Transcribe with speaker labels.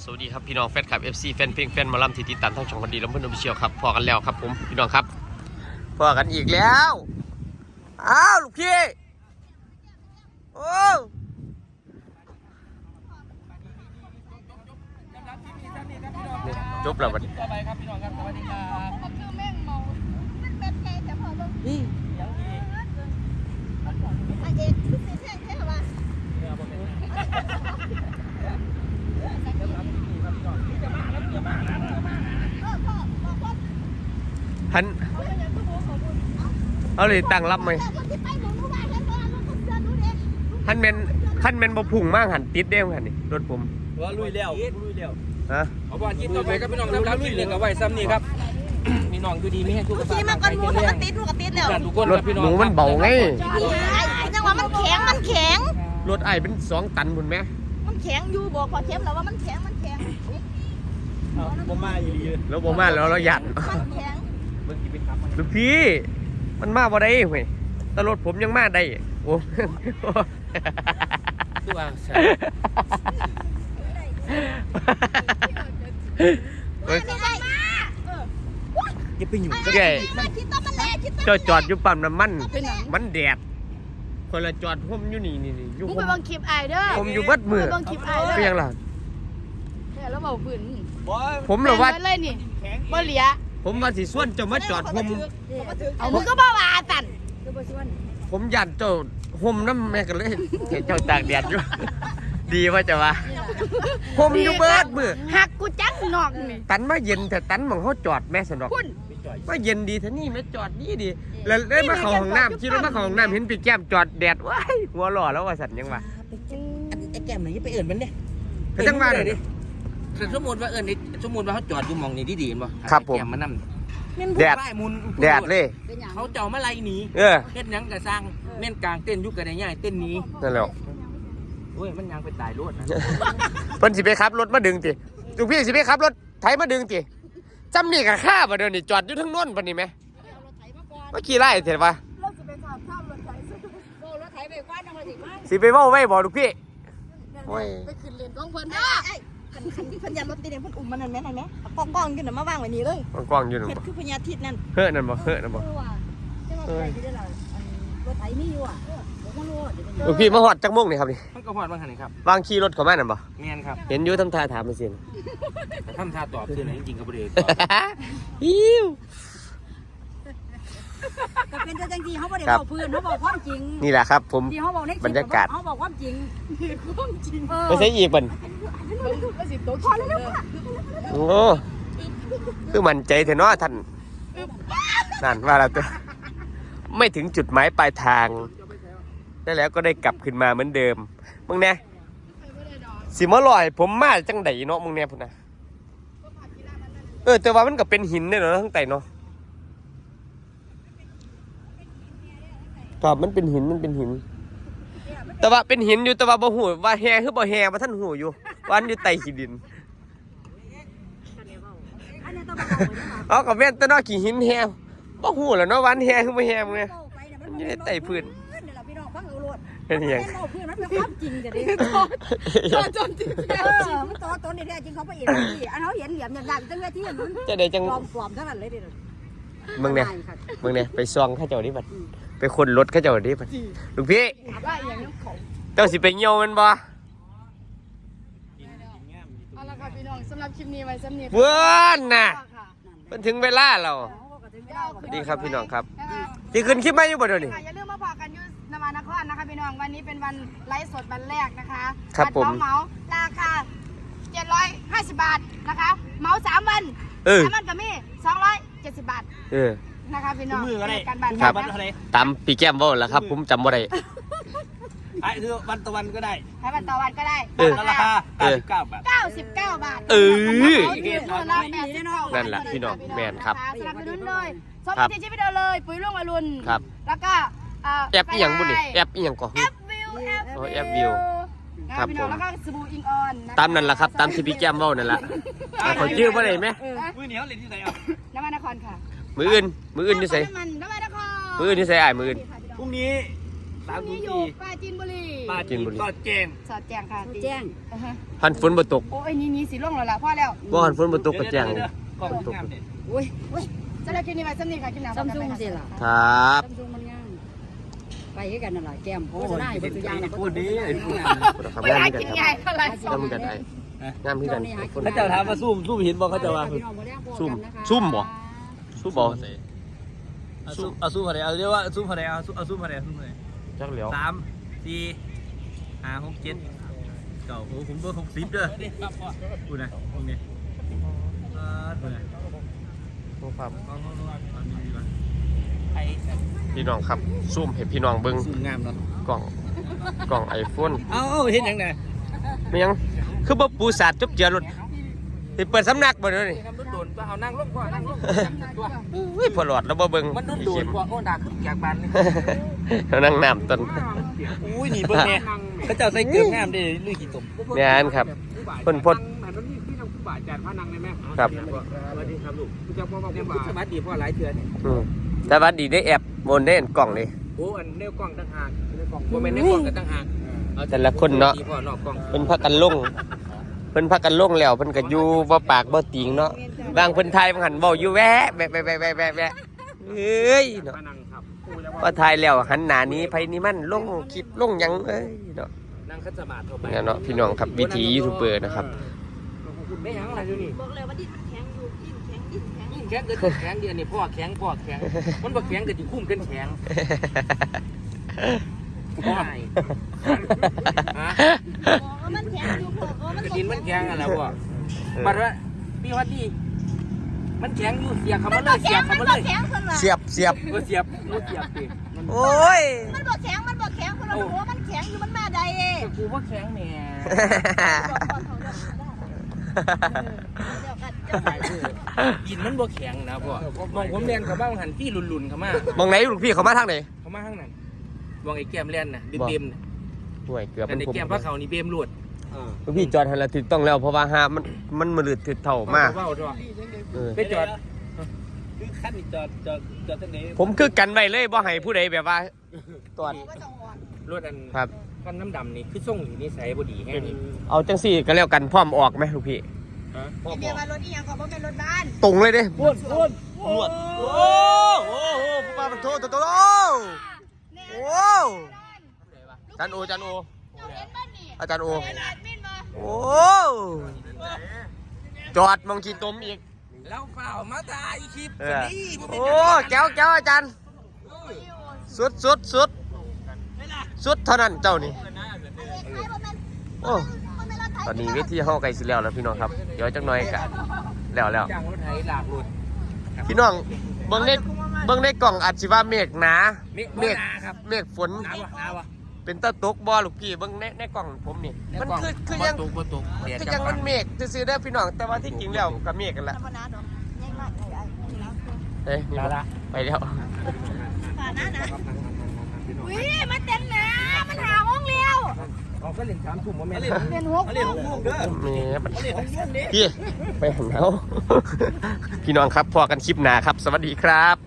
Speaker 1: สวัสดีครับพี่น้องแฟนคลับ FC แฟนเพลงแฟนหมอลำที่ติดตามทั้งช่องคนดีและเพื่อนออฟฟิเชียลครับพอกันแล้วครับผมพี่น้องครับพอกันอีกแล้วอ้าวลูกพี่โอ้จบแล้วบัดนี้นี่ท่านเอาเลยตั้งรับไหมท่านเป็นบ่พุ่งมากหันติดเด้งหันนี่รถผม
Speaker 2: ว่าลุยแล้ว
Speaker 1: ฮะ
Speaker 2: เอาบอลกินต่อไปครับพี่น้องครับลุยเรื่องกับไว้ซ้ำนี่ครับพี่น้องดูดีไม่ให้ทุกข์
Speaker 3: ขี่มาก่อนมูกติดแล้ว
Speaker 2: ทุกคน
Speaker 1: รถหนูมันเบาไง
Speaker 3: จังหวะมันแข็ง
Speaker 1: รถไอ้เป็น2 ตันพุ่นไหม
Speaker 3: มันแข็งอยู่บอกพอเทียมแล้วว่ามันแข็ง
Speaker 2: บ่มาอยู่ดีเลย
Speaker 1: แล้วบ่มาแล้วเราหยัด
Speaker 3: มันแข็ง
Speaker 1: ลูกพี่มันมาบ่ได้เว้ยแต่รถผมยังมาได้โอ้
Speaker 2: ตัวอย่าไปอยู่
Speaker 1: แกเจ้าจอดอยู่ปั๊มน้ำมันมันแดดคนละจอดผมอยู่นี่อยู่ผม
Speaker 3: ไปบังคลิปไอเด้อ
Speaker 1: ผมอยู่เบิดมือ
Speaker 3: บังคลิปไอเด้อ
Speaker 1: เป็นยังล่ะ
Speaker 3: แล้วเบาฝืน
Speaker 1: ผมเหรอว่า
Speaker 3: เลยนี่บ่เหลีย
Speaker 1: ผมว่าสิส่วนเจ้ามาจอดผม
Speaker 3: เอามึงก็บ่ว่าตัน
Speaker 1: ผมยันเจ้าห่มน้ำแม่กันเลยเห็นเจ้าตากแดดอยู่ดีว่าจะว่าผมอยู่เบิดมือ
Speaker 3: หักกูจังนอกนี่
Speaker 1: ตันมาเย็นแต่ตันมองเขาจอดแม่สนอกว่าเย็นดีท่านี่แม่จอดนี่ดีแล้วได้มาเข้าห้องน้ำคิดว่ามาเข้าห้องน้ำเห็นปีแก้มจอดแดดว้ายหัวหล่อแล้วว่าสันยังวะ
Speaker 2: ไอ้แก้มไหนยังไปเอื่นมันเนี่ย
Speaker 1: ไปจังมาเลยดิ
Speaker 2: สมมติว่าสมมติว่าเขาจอดอยู่มองนี่ดีๆป่ะ
Speaker 1: ครับผม
Speaker 2: แก้มมันนั่น
Speaker 1: แดดเลย
Speaker 2: เขาเจ้ามาไล่หนีเฮ็ดยังกระสร้างเม่นกลางเต้นยุกกระไดง่ายเต้นนี้
Speaker 1: นั่นแหละ
Speaker 2: โอ้ยมันยังไปตายรถนะ
Speaker 1: เพิ่นสิไปขับรถมาดึงติลูกพี่สิไปขับรถไถมาดึงติจำนี่กับข้าบ่เดี๋ยวนี้จอดอยู่ทั้งโน้นปะนี่ไหมเมื่อกี้ไล่เสร็จปะสิไปเว้าไว้บ่ลูกพี่
Speaker 3: ไปขึ้นเรียนกองเพิ่นนะพันยารถตีเนี่ยพันอุ่มมันนั่นแม่กองขึ้นมาวางไว้นี่เลย
Speaker 1: กองอยู่นั่นบ่
Speaker 3: คือพญาทิตนั่น
Speaker 1: เฮ้อนั่นบ่
Speaker 3: รถไถมีอยู่อ่ะ
Speaker 1: ลูกพี่มาฮอดจักโมงนี่ครับนี่
Speaker 2: มันก็ฮอดบางคันนี่ครับ
Speaker 1: วางขี่รถเข้ามานั่นบ่
Speaker 2: แม่นครับ
Speaker 1: เห็นอยู่ทำท่าถามมาสิ
Speaker 2: ทำท่าตอบคือไหนจริงๆก็บ่ได้
Speaker 1: อิ้ว
Speaker 3: ก็เป็นจังซี่เฮาบ่ได้เว้าพื้นเฮาบอกความจริง
Speaker 1: นี่แหละครับผมบรรยากาศ
Speaker 3: เฮาบอกความจริง
Speaker 1: ไม่ใช่อีกเพิ่นโอ้คือมั่นใจแท้เนาะท่านนั่นว่าแล้วตัวไม่ถึงจุดหมายปลายทางได้แล้วก็ได้กลับขึ้นมาเหมือนเดิมมึงแน่สิมาลอยผมมาจังไดเนาะมึงแน่พุ่นน่ะแต่ว่ามันก็เป็นหินเนี่ยเนาะทั้งไตเนาะครับมันเป็นหินแต่ว่าเป็นหินอยู่แต่ว่าบ่ฮู้ว่าแฮคือบ่แฮว่าท่านฮู้อยู่ว่าอันอยู่ใต้ขี้ดินเอาก็แม่นแต่เนาะขี้หินแฮบ่ฮู้แล้วเนาะว่าอันแฮคือบ่แฮมึงไงมันอยู่ในใต้พื้นเป็นยัง
Speaker 3: มันเป็นความจริงจะดิจนจริงมันต้นนี่แท้จริงเขาไปเห็นที่อันเขาเห็นเหลี่ยมอย่างๆจังเลยที่มัน
Speaker 1: จะได้จัง
Speaker 3: ปลอมทั้งนั้นเลยดิ
Speaker 1: มึงเนี่ยไปซองข้าเจ้าดิบัดไปคนรถข้าเจ้าดิบัดลูกพี่เจ้าสิไปเหี่ยวมันบ่
Speaker 3: เอาละค่ะพี่น้องสำหรับคลิปนี้ไว้สำเนียง
Speaker 1: เพื่อนน่ะมันถึงเวลาเราดีครับพี่น้องครับที่ขึ้นคลิปมาอยู่บ่เดี๋ยวนี้
Speaker 3: อย่าลืมมาพอกันอยู่นวนครนะคะพี่น้องวันนี้เป็นวันไลฟ์สดวันแรกนะคะ
Speaker 1: ครับผม
Speaker 3: เหมาราคา750 บาทนะคะเหมา3 วัน3 วันก็มี270 บาทนะคะพี่น้อง
Speaker 2: การบ้านครับ
Speaker 1: ตามปีแก้มว่าแล้วครับผมจำบ่ได้
Speaker 2: ไอ้คือวันต่อวันก็ได้
Speaker 3: ให้วันต่อวันก็ได้
Speaker 2: ราคา99 บาท
Speaker 3: 99 บาท
Speaker 1: นั่นแหละพี่น้องแมนครับ
Speaker 3: สนับสนุนเลยชมที่ชีวิตเราเลยปุ๋ยรุ่งอรุณ
Speaker 1: ครับ
Speaker 3: แล้วก็
Speaker 1: แอปอีหยังบุญนี่แอปอีหยังก่อน
Speaker 3: แอปวิว
Speaker 1: ครับผม
Speaker 3: แล้วก็สบู่อิงออน
Speaker 1: ตามนั่นแหละครับตามที่พี่แก้มว่านั่นแหละขอชื่อว่าอะไรไหม
Speaker 2: มือเหนียวเลยที่ไหนอ่ะ
Speaker 3: น้ำมันนครค่ะ
Speaker 1: มืออื่นที่ใส่
Speaker 3: น้ำมันนคร
Speaker 1: มืออื่นที่ใส่มืออื่น
Speaker 2: พรุ่งนี้
Speaker 3: พรุ่งนี้อยู่ปราจีนบุรี
Speaker 2: ปาจีนก็แจ้ง
Speaker 3: สอดแจ้งค่ะ
Speaker 4: แจ้ง
Speaker 1: หันฝนบ่ตก
Speaker 3: โอ้ยนี่สิล่วงแล้วล่ะพ่อแล้ว
Speaker 1: บ่หันฝนบ่ตกก็แจ้ง
Speaker 2: กล่องงามเนี่ย
Speaker 4: อุ้ย
Speaker 3: จะได้กินนี่ไปซ้ำนี่ค่ะกินน้ำ
Speaker 4: ซัมซุงสิล่ะ
Speaker 1: ครับ
Speaker 4: ซัมซุงมันงามไปให้กันนั่นแหละแก้มโฆษณาให้คนตัวอย่าง
Speaker 2: พูดดีพูด
Speaker 1: ครับ
Speaker 3: ไม่
Speaker 1: งาม
Speaker 3: ได้
Speaker 1: ที่
Speaker 3: กิน
Speaker 1: กัน
Speaker 3: ให
Speaker 1: ค
Speaker 3: ญ่
Speaker 1: รับ
Speaker 3: เท่าไหร่
Speaker 1: งามที่กันไอ้งามที่กันคน
Speaker 2: เขาจะถามว่าซุ่มเห็นบอกเขาจะว่า
Speaker 1: ซุ่มบ่ซุ่มบ่
Speaker 2: เอาซุ่มอะไรเอาเรียกว่าซุ่มอะไรเอาซุ่มอะไร
Speaker 1: จักเหลียว
Speaker 2: 3 4 5 6 7เก่าผมเบอร์60เด้อพูดนะตรงนี้พูดนะ
Speaker 1: ครับ
Speaker 2: ไอ้
Speaker 1: พี่น้องครับซูมให้พี่น้องเบิ่ง
Speaker 2: ซุ่มงามเนาะ
Speaker 1: กล่อง iPhone
Speaker 2: เอาเห็นยังไง
Speaker 1: ไม่ยังคือบ่ปูสาดจบเจือรถสิเปิดสำนักบ่เด้อนี่
Speaker 2: มันโดนเอานั่งลงก่อนนั่งลงตัว
Speaker 1: อุ้ยพอหลอดแล้วบ่เบิ่ง
Speaker 2: มันโดนกว่าโอ้ดักจากบ้านเลย
Speaker 1: แล้วนั่งน้ำต้น
Speaker 2: อุ้ยนี่เบิ่งแน่เขาเจ้าใส่เกลืองามดิลุยขี้ตุ่ม
Speaker 1: แม่นครับเพิ่นพด
Speaker 5: มันมีที่ทำผู้บาดจานพานังได้ไหม
Speaker 1: ครับ
Speaker 2: สวัสดีครับลูก
Speaker 5: จะพอบอก
Speaker 2: ยัง
Speaker 5: ว่า
Speaker 2: สวัสดีพ่อหลายเทื่อนี่
Speaker 1: แต่ว่าดีได้แอปบนได้เห็นกล่องนี่
Speaker 2: โอ้อันแนวกล้องต่างหากแนวกล้องบ่แม่นแนวกล้องกันต่างหาก
Speaker 1: แต่ละคนเนาะ
Speaker 2: พ่อนอกกล้อง
Speaker 1: เพิ่นพักกันลงเพิ่นพักกันลงแล้วเพิ่นก็อยู่บ่ปากบ่ติงเนาะบางเพิ่นไทยบางหันเว้าอยู่แวะแวะเอ้ยเนาะ
Speaker 5: พานังครับ
Speaker 1: พอไทยแล้วหันหน้านี้ไผนี่มันลงคลิปลงหยังเอ้ยเนาะ
Speaker 2: นั่งคัดสมาธิเข้าไป
Speaker 1: เนี่ยเนาะพี่น้องครับวิถียูทูบเบอร์นะครับ
Speaker 2: ไม่หยังอะไรอยู่นี่
Speaker 3: บอกเลยว่าดินแข็งอยู่ดินแข็ง
Speaker 2: ยิ่งแข็งเกิดแข็งเดียวนี่พ่อแข็งมันบ่แข็งก็สิคุ้มกันแข็งพ่อฮะ
Speaker 3: บอกว่ามันแข็งอยู่บอกว่ามัน
Speaker 2: กระดินมันแข็งอ่ะแล้วพ่อบัดว่าพี่วัดดีมันแข็งอยู่เสียบเข้ามาเลยเสียบเข้ามาเลย
Speaker 3: แข็งคนละ
Speaker 1: เสียบ
Speaker 2: เสียบดิ
Speaker 1: โอ้ย
Speaker 3: มันบอกแข็งคนละหัวมันแข็งอยู่มันมาใดเอง
Speaker 2: กูว่าแข็งแหน่ กินมันบ่แข็งนะพ่อมองผมเรียนเขาบ้างหันพี่ลุนๆเขามาม
Speaker 1: องไหนลูกพี่เขามาทางไหน
Speaker 2: เขามาข้างนั้นมองไอ้แก้มเล่นน่ะเบมๆน่ะ
Speaker 1: ห่วยเกือบ
Speaker 2: แต่
Speaker 1: มัน
Speaker 2: ไอ้
Speaker 1: ผม
Speaker 2: แก้มพระเขานี่เบมหลุด
Speaker 1: ลูกพี่จอดหันละถูกต้องแล้วเพราะว่าหามันมือถือเท่ามาก
Speaker 2: เว้าด้วย ไปจอดคือขั้นจอดตั้งนี้
Speaker 1: ผมคือกันไว้เลยบ่ให้ผู้ใดแบบว่าตรวจ
Speaker 2: รถอัน
Speaker 1: ครับ
Speaker 2: ขั้นน้ำดำนี่คือส่งอยู่นิสัยบ่ดีแค่นี้
Speaker 1: เอาจังสี่ก็แล้วกันพร้อมออกไหมลูกพี่
Speaker 2: พ่อ
Speaker 3: เบี
Speaker 2: บ
Speaker 3: ย
Speaker 2: อก
Speaker 3: ร์มารถนี่ยังขอว่าเป็นรถบ้าน
Speaker 1: ตรงเลยเด้
Speaker 2: พูดนวด
Speaker 1: โอ้โหผู้ปามันโทษตัวโอ้จันโอ
Speaker 3: เจ้าเห็นบ้านนี่
Speaker 1: อาจารย์โอ
Speaker 3: เห็นแอดมินมา
Speaker 1: โอ้จอดมองขีดตมอีก
Speaker 2: แล้วเปล่ามาถ่ายคลิป
Speaker 1: เอ
Speaker 2: กัน
Speaker 1: อ
Speaker 2: นี่
Speaker 1: โอ้แก้วอาจารย์สุดเท่านั้นเจ้านี่โอ้ตอนนี้เวทีห้องไกลสิแล้วพี่น้องครับเดี๋ยวจักหน่อยกะแล้ว
Speaker 2: จ้างรถไถหลากหลุด
Speaker 1: พี่น้องเบิ่งในกล่องอาจสิว่าเมฆหนา
Speaker 2: เมฆครับ
Speaker 1: เมฆฝน
Speaker 2: หนาวะ
Speaker 1: เป็นตะตกบ่ลูกพี่เบิ่งในกล่องผมนี่มันคือยัง
Speaker 2: บ่ตก
Speaker 1: คือยังมันเมฆซื่อๆเด้อพี่น้องแต่ว่าที่จริงแล้วก็เมฆกันละ
Speaker 3: ธรรมดาดอกยังมากนี่แล้ว
Speaker 1: เอ้ยนี่บ่ไปแล้ว
Speaker 3: ฝ่านะอุ้ยมันเต็มนะมันหาห้องเลี้ยว
Speaker 2: เอาก็เล่น3ทุ่มบ่แม่นเล่น
Speaker 3: เป็นหัว
Speaker 2: เล่น6โมงเด้อ
Speaker 1: นี่มัน
Speaker 2: เล่น6โมงเด้
Speaker 1: พี่ไปหันเอา พี่น้องครับพอกันคลิปหน้าครับ สวัสดีครับ